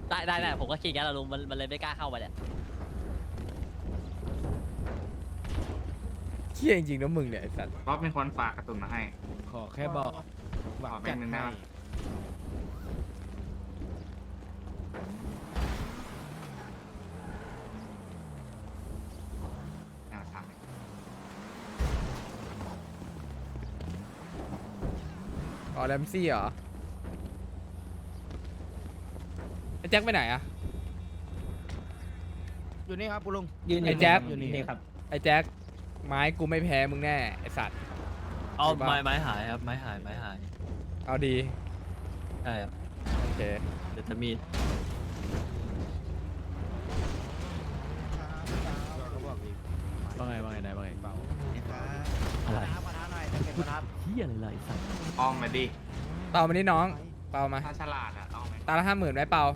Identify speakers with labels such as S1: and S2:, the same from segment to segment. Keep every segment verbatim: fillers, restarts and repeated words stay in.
S1: ได้ได้ได้ผมก็คิดงั้นแหละลุงมันมันเลยไม่กล้าเข้าไปเนี่ย
S2: เชี่ยจริงๆนะมึงเนี่ยไอ้สัตว์
S3: ป๊อปเป็นคนฝากกระสุนมาให้
S4: ขอแค่บอกหวัง
S3: ขอแบ
S4: จั
S3: ง
S4: ด
S3: ค์หนึ่ง
S4: ให้
S3: ได้ปะ เอาทำเลย
S2: อ๋อแรมซี่เหรอไอ้แจ็คไปไหนอะ
S4: อยู่นี่ครับคุณลุง
S5: ยืน
S2: ไอ้แจ๊ค
S5: อยู่นี่ครับ
S2: ไอ้แจ็คไม้กูไม่แพ้มึงแน่ไอ้สัตว์
S1: เอา
S2: ใช่ปะ
S1: ไม้ไม้หายครับไม้หายไม้หาย
S2: เอาดี
S1: ใช่ครับ
S2: โอเค
S1: เดี๋ยวจะมีด
S4: ว่าไงว่าไงนายว่าไงเปล่า
S1: อะไรเฮียอะไรเลยสัตว์
S3: อ้อมมาดิ
S2: เปามานี่น้องเปามา
S3: ถ้าฉลาดอ่ะอ้อมไหม
S2: ตาละห้าหมื่นไหมเปา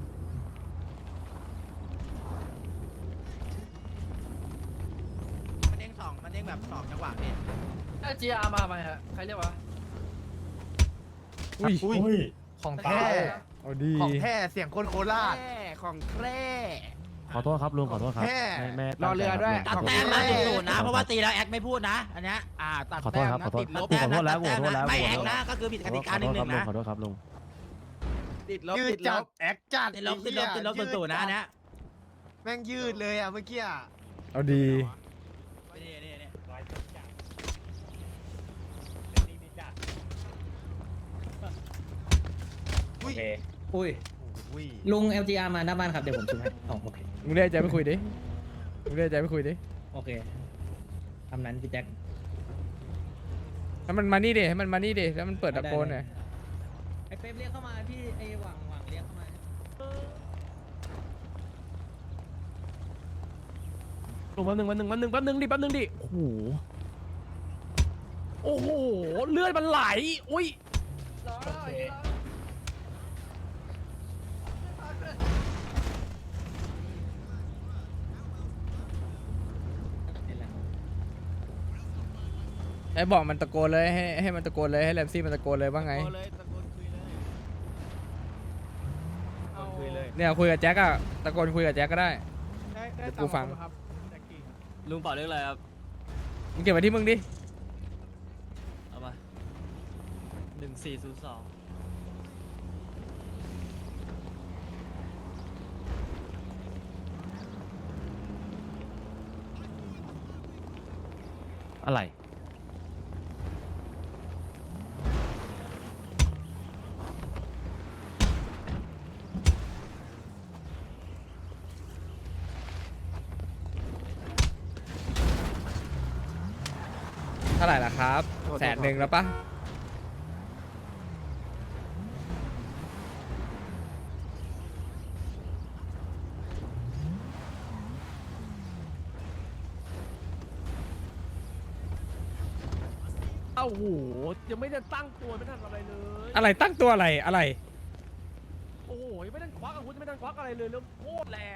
S4: มันเด้งสองมันเด้งแบบสองจังหวะนี่
S6: จีอาร์มาไหมฮะใครเรียกว่า
S2: อุ้ย
S4: อุ้ย
S2: ของแท้เอาดี
S4: ของแท้เสียงคนโคราชของแท้
S7: ขอโทษครับลุงขอโทษครับ
S4: แท้
S7: ไม่ไม่
S4: รอเรือด้วย
S7: ตั้ง
S5: ตัด
S7: ใจ
S5: แต้ม
S7: ค
S5: นะ
S7: บ
S5: ศูนย์นะเพราะว่าตีแล้วแอคไม่พูดนะอันเนี้ย
S4: อ่าตัด
S7: ขอโท
S4: แต้
S7: ษ
S4: ม
S7: ครับ
S4: นะ
S7: ขอโทษ
S4: ติดลบ
S7: ผมขอโทษแล้ว
S5: ตัด
S7: ผมขอโทษแล้ว
S5: ไม่
S7: ผม
S5: แอ
S7: ขอ
S5: ค
S7: โทษ
S5: นะก็คือผิดกติกาหนึ่งหนึ่งนะ
S7: ขอโทษครับลุง
S4: ติดลบยืดจัดแอคจัด
S5: ติดลบติดลบติดลบศูนย์นะอันเนี้ย
S4: แม่งยืดเลยอ่ะเมื่อกี้อ่ะ
S2: เอาดี
S5: นี่นี่นี่
S4: อุ้ย
S5: อุ้ย
S4: อุ้ย
S5: ลุง แอล จี อาร์ มาหน้าบ้านครับเดี๋ยวผมช่วยให้อ๋อโอเค
S2: มึงเรียกใจไปคุยดิมึงเรียกใจไปคุยดิ
S5: โอเคทำนั้นพี่แจ็ค
S2: ให้มันมานี่ดิให้มันมานี่ดิแล้วมันเปิดตะโกนหน่อย
S5: ไอ้เป๊ปเรียกเข้ามาพี่ไอ้หวังหวังเรียกเข้ามา
S7: ลุงแป๊บนึงแป๊บนึงแป๊บนึงแป๊บนึงดิแป๊บนึงดิโอ้โหโอ้โหเลือดมันไหลอุ้ย
S2: ไอ้บอกมันตะโกนเลยให้ให้มันตะโกนเลยให้แรมซี่มันตะโกนเลยว่าไง
S4: ตะโกนเลยตะโกนคุยเลยตะโกนคุยเลย
S2: เนี่ยคุยกับแจ็คอะตะโกนคุยกับแจ็คก็ได้
S4: ได้ได้
S2: เดี๋ยวกูฟัง
S4: ครับแจ็คกี้ครับ
S1: ลุงเป่าเรื่องอะไรครับ
S2: มึงเก็บไว้ที่มึงดิ
S1: เอามาหนึ่งสี่ศูนย์สอง
S7: อะไร
S2: เท่าไหร่ล่ะครับแสนหนึ่งแล้วปะ
S7: เอ้าโหยังไม่ได้ตั้งตัวไม่ทันอะไรเลย
S2: อะไรตั้งตัวอะไรอะไร
S7: โอ้โหยังไม่ได้ควักอาวุธยังไม่ได้ควักอะไรเลยแล้วโคตรแรง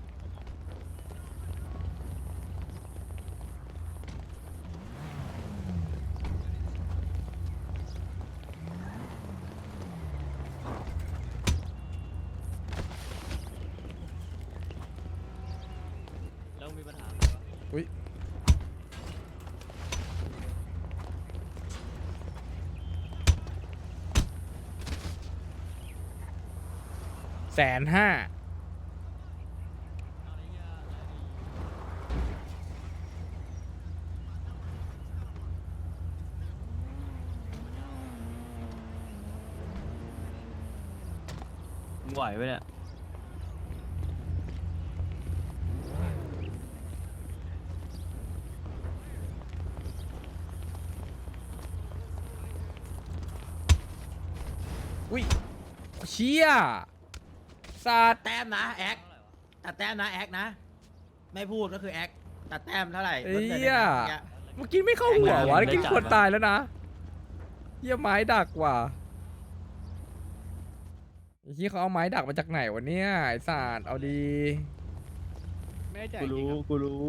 S1: แล้วมีปัญหาอะไรวะ
S2: อุ้ยแสนห้า
S1: เอาอะไรเงี้ยอะไรดีมึงไหวไหมเนี่ย
S2: อุ้ยเชี่ยสั
S5: ตั
S2: ต
S5: ด
S2: ว์
S5: แต้มนะแอคตัดแต้มนะแอคนะ ไม่พูดก็คือแอคตัดแต้มเท่าไหร่
S2: เอ้
S5: ลดหลื
S2: ย
S5: หนึ่งนะ
S2: เมื่อกี้ไม่เข้าหัววะเมื่อกี้คนตายแล้วนะเหี้ยไม้ดักว่ะไอ้ที่เขาเอาไม้ดักมาจากไหนวะเนี่ยไอ้สัตว์เอาดี
S4: ไม่ได้ใจ
S6: กู
S4: จริง
S6: รู้
S4: ครับ
S6: กูรู้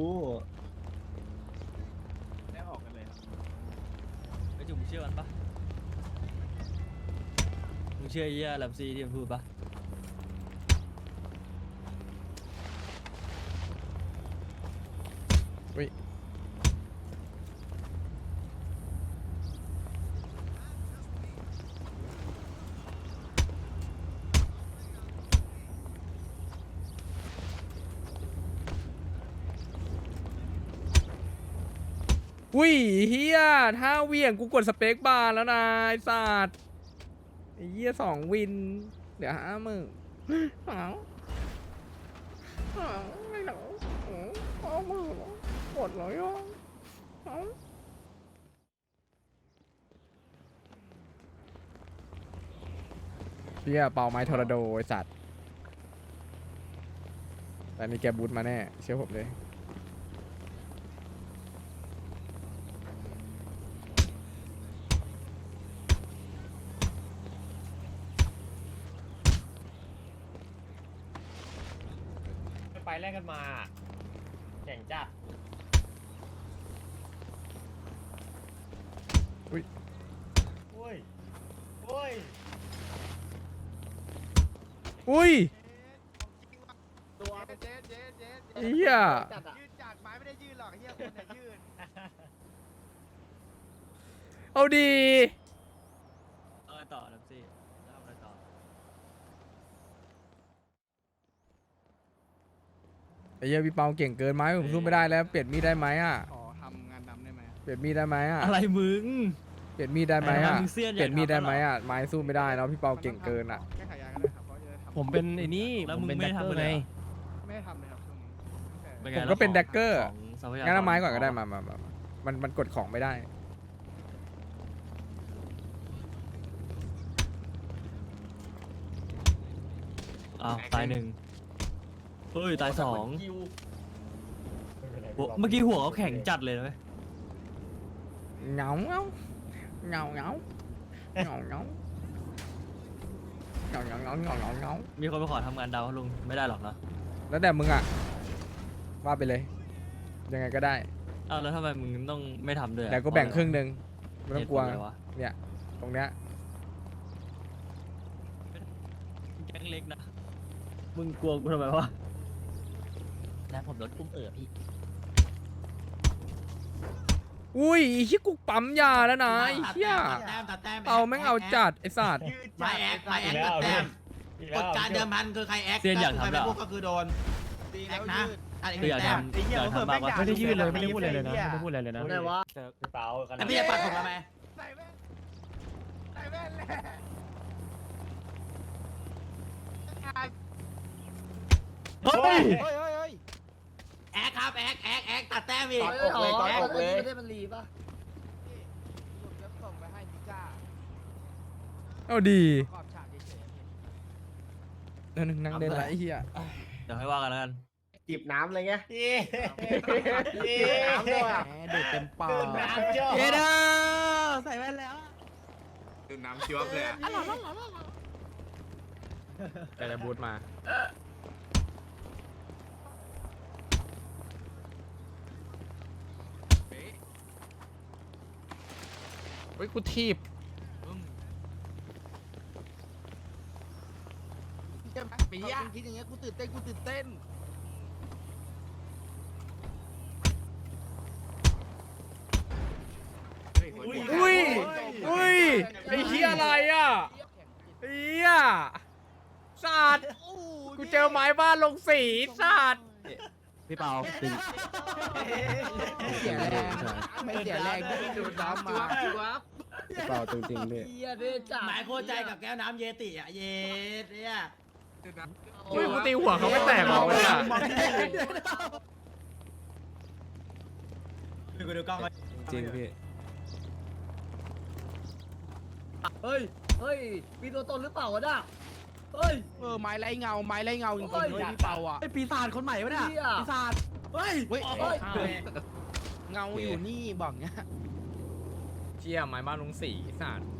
S4: ได้ออกกันเลยครับ
S1: ไอ้จุ๋มเชื่อมันปะมึงเชื่อไอ้เหี้ยแรมซี่ที่มันพูดปะ
S2: อุ้ยอุ้ยเฮียถ้าเหวี่ยงกูกดสเปคบาร์แล้วนะไอ้สัตว์ไอ้เฮียสองวิน เดี๋ยวห้าหมื่นหาวหาวไม่หนาวห้าหมื่นกดเลยอ่ะหาวเฮียเป่าไม้ทอร์นาโดไอ้สัตว์แต่มีแกบูทมาแน่เชื่อผมเลย
S7: ไปแลกกันมาแข่งจ้ะ
S2: อุ้ย
S7: โอ้ยโอ้ย
S2: อุ้ย
S4: ตัวเจ๊เจ๊เจ๊
S2: เฮีย
S4: ยืดจากไม้ไม่ได้ยืดหรอกเฮียคนเนี่ยยืด
S2: เอาดี
S1: เอาไงต่อนะพี่แล้วเอาไงต่อ
S2: ไอ้เหี้ยพี่เปาเก่งเกินไหมผมสู้ไม่ได้แล้วเปลี่ยนมีดได้ไหมอ่ะ
S4: ขอทำงานดำได้ไหม
S2: เปลี่ยนมีดได้ไหมอ่ะ
S1: อะไรมึง
S2: เปลี่ยนมีดได้ไหมอ่ะ
S1: มึงเสี้ยน
S2: เปลี่ยนมีดได้ไหม
S1: อยากทำ
S2: อ่ะไม้สู้ไม่ได้แล้วพี่เปาเก่งเกินอ่ะ
S4: แก้ไขยากันได้ครับเพราะจะทำ
S7: ผมเป็นไอ้นี่
S1: แล้ว
S7: ผ
S1: มึง
S7: เป็น
S1: ไม่
S7: แดก
S1: ทำ
S7: เกอ
S1: เล
S7: ร์
S1: ย
S7: ไง
S1: เหรอ
S4: ไม่ได้ทำเลยครับช่วงนี้แต่
S1: เป็นไง
S2: ผมก็เป็น
S1: แล้ว
S2: Dagger
S1: ของทรัพยากร
S2: งั้นเอาไม้ก่อนก็ได้มามามามามันมันกดของไม่ได้
S1: อ้าวตายหนึ่งเฮ้ยตายสอง
S7: คิว
S1: หัวเมื่อกี้หัวเขาแข็งจัดเลยนะเว้ย
S2: เหงาเหงาเหงาเหงาเหงาเหงาเหงาเหงาเหงาเหงาเหงาเหงา
S1: มีคนไปขอทำงานดาวเขาลุงไม่ได้หรอกนะ
S2: แล้วแต่มึงอ่ะว่าไปเลย ยังไงก็ได้
S1: อ้าวแล้วทำไมมึงต้องไม่ทำด้วยอะ
S2: เดี๋ยวก็แบ่งครึ่งหนึ่งไม่ต้องกลัว
S1: เหตุผะไรวะ
S2: เนี่ยตรงเนี้ย
S1: แก๊งเล็กนะมึงกลัวกูทำไมวะ
S6: แล้วผมรถกุ้มเอ๋อพี่
S2: อุ้ยไอ้เหี้ยกูปั๊มยาแล้วนะไอ้เหี้ย
S5: ตัดแต้มตัดแต้ม
S2: เอาแม่งเอาจัดไอ้สัตว์
S5: ไม้แอกไม้แอกตัดแต้มกฎการเดิมพันคือใครแอก
S1: เซียนอยาก
S5: ใคร
S1: ทำ
S5: ไม่
S1: แล้ว
S5: พูดก็คือโดนแอกนะตัดอีกห
S1: คือ
S5: นึ่
S1: อง ยาก
S5: แต้ม
S1: ทำอยากทำมากกว่า
S7: ไม่ได้ยืดเลยไม่ได้พูดอะไรเลยนะไม่ได้พูดอะไรเลยนะ
S6: ได้วะ
S7: พี่เปาขนา
S5: แล้
S7: ด
S5: วพี่จะปัดผมทำไม
S4: ใส่แว่นใส่แว่นแหละ
S1: เฮ้ย
S4: เฮ้ยเฮ้ยเฮ้ย
S5: แอกครับแอกแอกแอกตัดแต้มอีก
S6: เฮ้ยขอขอเลยไม่ได้มันรีป่ะ
S4: ผมจะส่งไปให้พิก้า
S2: เอาดี
S4: ขอบฉากเฉยๆพี่
S2: นั่นงนั่งเล่นไรไอ้เหี้ย
S1: เดี๋ยวให้ว่ากันแล้วกัน
S7: จีบน้ำอะไรเงี้ย
S4: น้ำด้วยอ่ะ
S7: ดูดเต็มปาก
S5: เยเด้อใส่แว่นแล้ว
S3: ดูน้ำชิวบเลยอะ
S2: แต่จะบูทมาเฮ้ยกูทีบ
S4: ปีอ่ะคิดอย่างเงี้ยกูตื่นเต้นกูตื่นเต้น
S2: อุ้ยอุ้ยไอ้เหี้ยอะไรอ่ะไอ้เหี้ยสัตว์กูเจอไม้บ้านลงสีสัตว์
S7: พี่เปาตึง
S4: เสียแรงไม่เสียแรงที่ดูดน้ำมา
S7: พี่เปาตึงจริงพี่
S6: เฮียเด้จ้า
S5: หมายโคตรใจกับแก้วน้ำเยติอ่ะเยสเนี่ย
S2: อุ้ยกูตีหัวเขาไม่แตกหรอกเลยอ่ะ
S5: ดูกูดูกล้องไว้
S2: จริงพี่
S6: เฮ้ยเฮ้ยมีตัวตนหรือเปล่าวะน่ะเฮ้ย
S4: เออไม้ไรเงาไม้ไรเงาจริง
S6: เฮ้ย
S4: ๆด้วยพี่เปาอ่ะ
S5: ไอปีศาจคนใหม่วะเนี่ย
S6: เหี้ย
S5: ปีศาจเฮ้ย
S4: เฮ้ย
S6: เฮ้ย
S4: เงาอยู่นี่บอกเงี้ย
S2: เชี่ยไม้บ้านลงสีสัตว์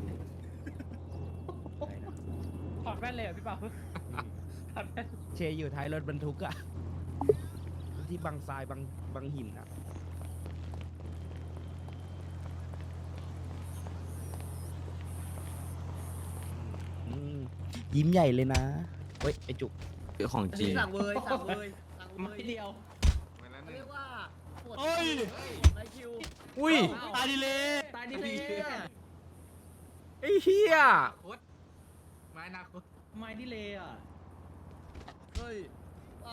S7: ถอดแว่นเลยเหรอพี่เปา
S4: เชยอยู่ท้ายรถบรรทุกอะที่บางทรายบางบางหินอะอืมยิ้มใหญ่เลยนะเฮ้ยไอจุก
S1: ของจริง
S6: สั่งเวยสั่งเวยสั่งเวย
S3: ไปแล้วห
S6: เขา
S3: นึ่
S6: เรี
S3: ง
S6: ยกว่าโคปวด
S7: เฮ้ย
S6: ไอคิว
S2: อุ้ย
S7: ตายดีเลย
S6: ตายดิเลย
S2: ไอ้เฮีย
S3: โคตรไม้นาคต
S5: ไม้ดิเลยอ่ะ
S6: เฮ้ยเอา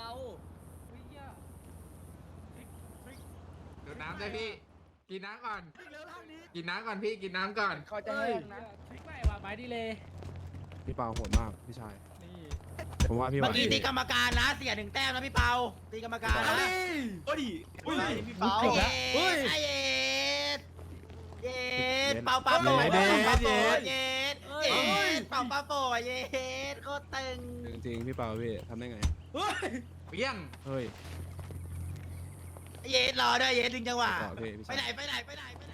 S3: ดูดน้ำเลยพี่ กินน้ำก่อน กินน้ำก่อนพี่ กินน้ำก่อน
S4: เขาจะแห้งนะ
S1: ไม่ว่าไม้ดีเลย
S8: พี่เปาโหดมากพี่ชาย
S1: นี่
S8: ผมว่าพี่
S5: เมื่
S8: ว่า
S5: อกี้ตีกรรมการนะเสียหนึ่งแต้มนะพี่เปาตีกรรมการนะ
S7: เฮ้ยอุ้ย
S5: พี่เปาเย็ดไอเย็ดเย็ดเปาเปาโปเย็ดเย็ดเย็ดเปาเปาโปเย็ดโคตรตึง
S8: จริงๆพี่เปาพี่ทำได้ไง
S3: เปี้ยง
S8: เฮ้ย
S5: เย็ดรอด้วยเย็ดดึงจังหวะ
S8: ต่อพี่พี่
S5: ไป
S8: ชาย
S5: ไหนไปไหนไปไหนไปไหน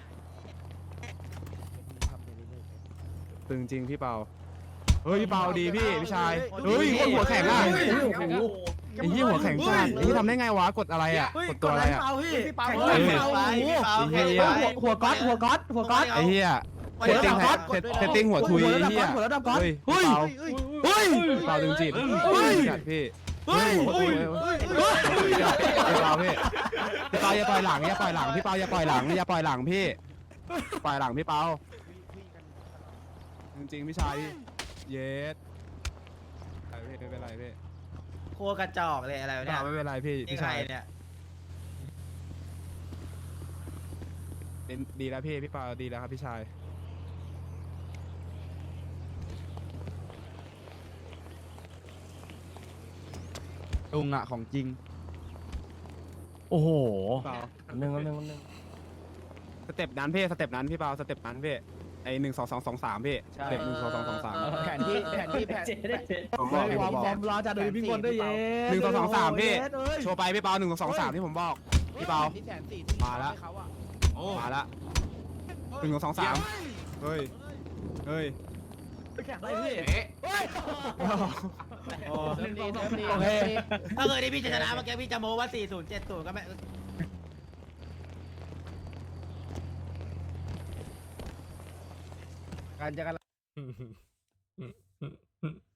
S8: ตึงจริงพี่เปาเฮ้ยพี่เปาดีพี่พี่ชายเฮ้ยคนหัวแข็งอ่ะไอ้ยี่หัวแข็งจัดไอ้ยี่ทำได้ไงวะกดอะไรอ่ะกดตัวอะไรอ่ะ
S4: พี่เปา
S8: เฮ้ย
S5: พี่เปาพี่เปา
S8: ไอ้เหี้ย
S4: หัวก๊อตหัวก๊อตหัวก๊อต
S8: ไอ้เหี้ยเซตติ้งเซตติ้งหัวทุยไอ้เหี้ย
S4: หัวระดับก๊อต
S8: เฮ้ยพี่เปาเฮ้ยพี่เปาตึงจิตเฮ้ยจัดพี่เฮ้ยหัวทุยพี่เปาพี่พี่เปาอย่าปล่อยหลังอย่าปล่อยหลังพี่เปาอย่าปล่อยหลังอย่าปล่อยหลังพี่ปล่อยหลังพี่เปาจริงๆพี่ชายเยสไม่เป็นไรพี่
S5: โคตรกระจอกเลยอะไรวะเนี่ย
S8: ไม่เป็นไรพี่
S5: นี่
S8: พี่
S5: ใคร
S8: ชาย
S5: เนี่ย
S8: เป็นดีแล้วพี่พี่เปาดีแล้วครับพี่ชาย
S4: ลุงอะของจริง
S7: โอ้โห
S8: เปา
S7: หนึ่งหนึ่งหนึ่ง
S8: สเต็ปนั้นพี่สเต็ปนั้นพี่เปาสเต็ปนั้นพี่ไอหนึ่งสองสองสองสามพี่สเต็ปหนึ่งสองสองสองสาม
S4: แผนที่แผนที่แผน
S8: ผมบอกพี่
S4: ฟ
S8: ผ
S4: อร์
S8: ม
S4: ม
S8: บอก
S4: ฟอร์มรอจะดูพี่บนด้วยเย้
S8: หนึ่งสองสองสามพี่โชว์ไปพี่เปาหนึ่งสองสองสามที่ผมบอกพี่เปา
S4: ที่แสนสี่ที่
S8: มาละ
S4: ให้เขาอะ
S3: โอ้
S8: มาละหนึ่งสองสามเฮ้ยเฮ้ย
S6: แข่งอะไรพี่
S3: เอ๊ะ
S4: เล่นดีเล่นดี
S8: โอเค
S5: ถ้าเคยได้พี่จะชนะเมื่อกี้พี่จะโม้ว่าสี่ศูนย์เจ็ดศูนย์ก็ไม่
S4: การจะกัน